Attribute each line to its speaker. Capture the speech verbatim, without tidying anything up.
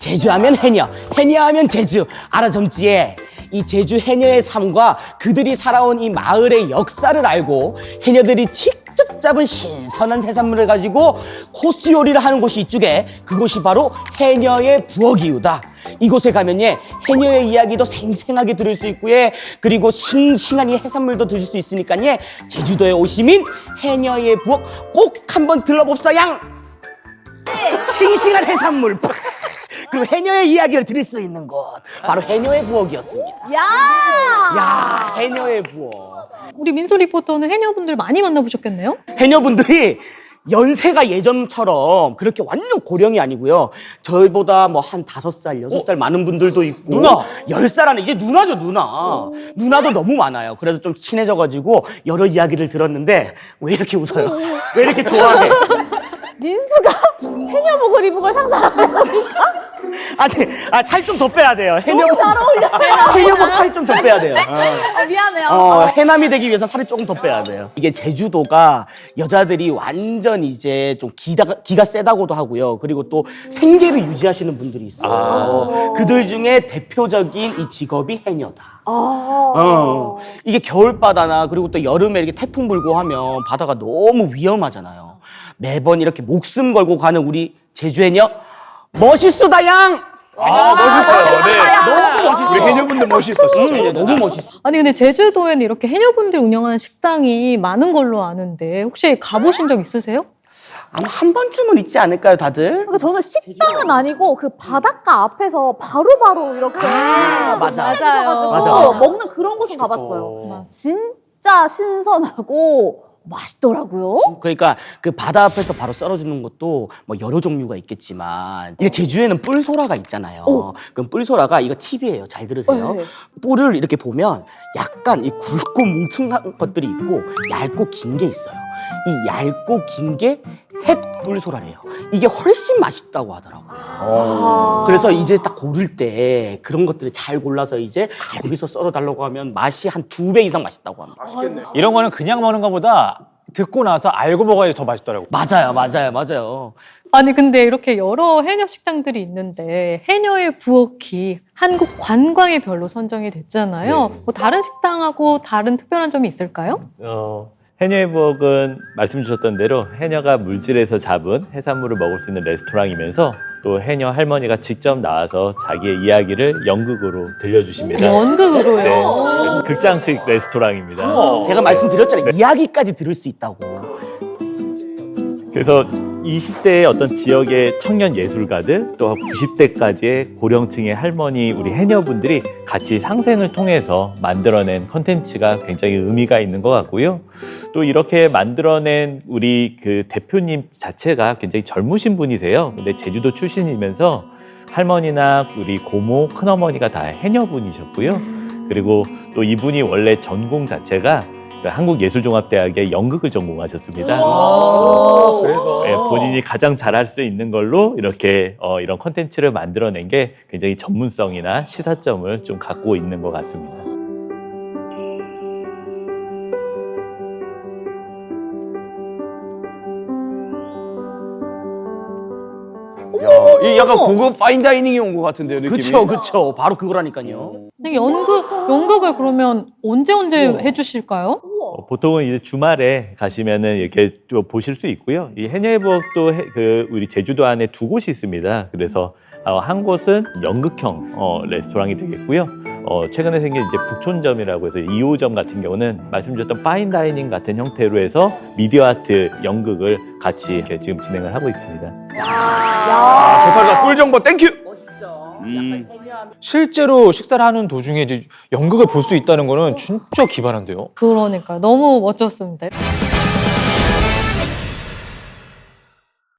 Speaker 1: 제주하면 해녀, 해녀하면 제주. 알아 점지에. 이 제주 해녀의 삶과 그들이 살아온 이 마을의 역사를 알고 해녀들이 직접 잡은 신선한 해산물을 가지고 코스 요리를 하는 곳이 이쪽에, 그곳이 바로 해녀의 부엌이유다. 이곳에 가면 예, 해녀의 이야기도 생생하게 들을 수 있고 예, 그리고 싱싱한 이 해산물도 드실 수 있으니까 예, 제주도에 오시면 해녀의 부엌 꼭 한번 들러봅사 양. 싱싱한 해산물 그리고 해녀의 이야기를 들을 수 있는 곳, 바로 해녀의 부엌이었습니다.
Speaker 2: 야!
Speaker 1: 야, 해녀의 부엌.
Speaker 3: 우리 민소 리포터는 해녀분들 많이 만나보셨겠네요?
Speaker 1: 해녀분들이 연세가 예전처럼 그렇게 완전 고령이 아니고요. 저희보다 뭐 한 다섯 살, 여섯 살 많은 분들도 있고,
Speaker 4: 누나!
Speaker 1: 열 살 안에 이제 누나죠, 누나. 누나도 너무 많아요. 그래서 좀 친해져가지고 여러 이야기를 들었는데 왜 이렇게 웃어요? 왜 이렇게 좋아해?
Speaker 2: 민수가 해녀복을 입은 걸 상상하는 겁니까?
Speaker 1: 아직 아, 살 좀 더 빼야 돼요.
Speaker 2: 너무 잘 어울려요.
Speaker 1: 해녀복 살 좀 더 빼야 돼요.
Speaker 2: 아, 미안해요.
Speaker 1: 어, 해남이 되기 위해서 살을 조금 더 빼야 돼요. 이게 제주도가 여자들이 완전 이제 좀 기가, 기가 세다고도 하고요. 그리고 또 생계를 유지하시는 분들이 있어요.
Speaker 4: 아.
Speaker 1: 그들 중에 대표적인 이 직업이 해녀다.
Speaker 2: 아.
Speaker 1: 어, 이게 겨울바다나 그리고 또 여름에 이렇게 태풍 불고 하면 바다가 너무 위험하잖아요. 매번 이렇게 목숨 걸고 가는 우리 제주 해녀 멋있수다 양!
Speaker 4: 아, 멋있어요. 네.
Speaker 1: 너무 멋있어.
Speaker 4: 우리 해녀분들 멋있어, 진짜.
Speaker 1: 음, 너무 멋있어.
Speaker 3: 아니 근데 제주도에는 이렇게 해녀분들이 운영하는 식당이 많은 걸로 아는데 혹시 가보신 적 있으세요?
Speaker 1: 아마 한 번쯤은 있지 않을까요, 다들?
Speaker 2: 그러니까 저는 식당은 아니고 그 바닷가 앞에서 바로바로 이렇게
Speaker 1: 아, 맞아.
Speaker 2: 해주셔가지고
Speaker 1: 맞아.
Speaker 2: 먹는 그런 곳은 가봤어요. 진짜 신선하고 맛있더라고요.
Speaker 1: 그러니까 그 바다 앞에서 바로 썰어주는 것도 뭐 여러 종류가 있겠지만, 이게 제주에는 뿔소라가 있잖아요.
Speaker 2: 오.
Speaker 1: 그럼 뿔소라가, 이거 팁이에요. 잘 들으세요.
Speaker 2: 네.
Speaker 1: 뿔을 이렇게 보면 약간 이 굵고 뭉퉁한 것들이 있고 얇고 긴 게 있어요. 이 얇고 긴 게 햇뿔소라래요. 이게 훨씬 맛있다고 하더라고요.
Speaker 2: 아.
Speaker 1: 그래서 이제 딱 고를 때 그런 것들을 잘 골라서 이제 거기서 썰어달라고 하면 맛이 한 두 배 이상 맛있다고 합니다.
Speaker 4: 맛있겠네. 이런 거는 그냥 먹는 것보다 듣고 나서 알고 먹어야지 더 맛있더라고.
Speaker 1: 맞아요, 맞아요, 맞아요.
Speaker 3: 아니 근데 이렇게 여러 해녀 식당들이 있는데 해녀의 부엌이 한국 관광의 별로 선정이 됐잖아요.
Speaker 5: 네.
Speaker 3: 뭐 다른 식당하고 다른 특별한 점이 있을까요?
Speaker 5: 어, 해녀의 부엌은 말씀 주셨던 대로 해녀가 물질에서 잡은 해산물을 먹을 수 있는 레스토랑이면서 또 해녀 할머니가 직접 나와서 자기의 이야기를 연극으로 들려주십니다.
Speaker 3: 연극으로요?
Speaker 5: 네, 극장식 레스토랑입니다.
Speaker 1: 제가 말씀드렸잖아요. 이야기까지 들을 수 있다고.
Speaker 5: 그래서 이십 대의 어떤 지역의 청년 예술가들 또 구십 대까지의 고령층의 할머니 우리 해녀분들이 같이 상생을 통해서 만들어낸 컨텐츠가 굉장히 의미가 있는 것 같고요. 또 이렇게 만들어낸 우리 그 대표님 자체가 굉장히 젊으신 분이세요. 근데 제주도 출신이면서 할머니나 우리 고모, 큰어머니가 다 해녀분이셨고요. 그리고 또 이분이 원래 전공 자체가 한국예술종합대학의 연극을 전공하셨습니다.
Speaker 4: 그래서.
Speaker 5: 네, 본인이 가장 잘할 수 있는 걸로 이렇게 어, 이런 콘텐츠를 만들어낸 게 굉장히 전문성이나 시사점을 좀 갖고 있는 것 같습니다.
Speaker 4: 야, 이 약간 고급 파인다이닝이 온 것 같은데요, 느낌이?
Speaker 1: 그쵸, 그쵸. 바로 그거라니까요.
Speaker 3: 근데 연극, 연극을 그러면 언제 언제
Speaker 1: 우와.
Speaker 3: 해주실까요?
Speaker 5: 어, 보통은 이제 주말에 가시면은 이렇게 좀 보실 수 있고요. 이 해녀의 부엌도 해- 그 우리 제주도 안에 두 곳이 있습니다. 그래서 어, 한 곳은 연극형 어, 레스토랑이 되겠고요. 어, 최근에 생긴 이제 북촌점이라고 해서 이 호점 같은 경우는 말씀드렸던 파인다이닝 같은 형태로 해서 미디어 아트 연극을 같이 이렇게 지금 진행을 하고 있습니다.
Speaker 4: 아, 좋다, 꿀 정보 땡큐!
Speaker 1: 멋있죠.
Speaker 4: 음.
Speaker 1: 약간 해녀하면
Speaker 4: 실제로 식사를 하는 도중에 이제 연극을 볼 수 있다는 거는 진짜 기발한데요.
Speaker 3: 그러니까 너무 멋졌습니다.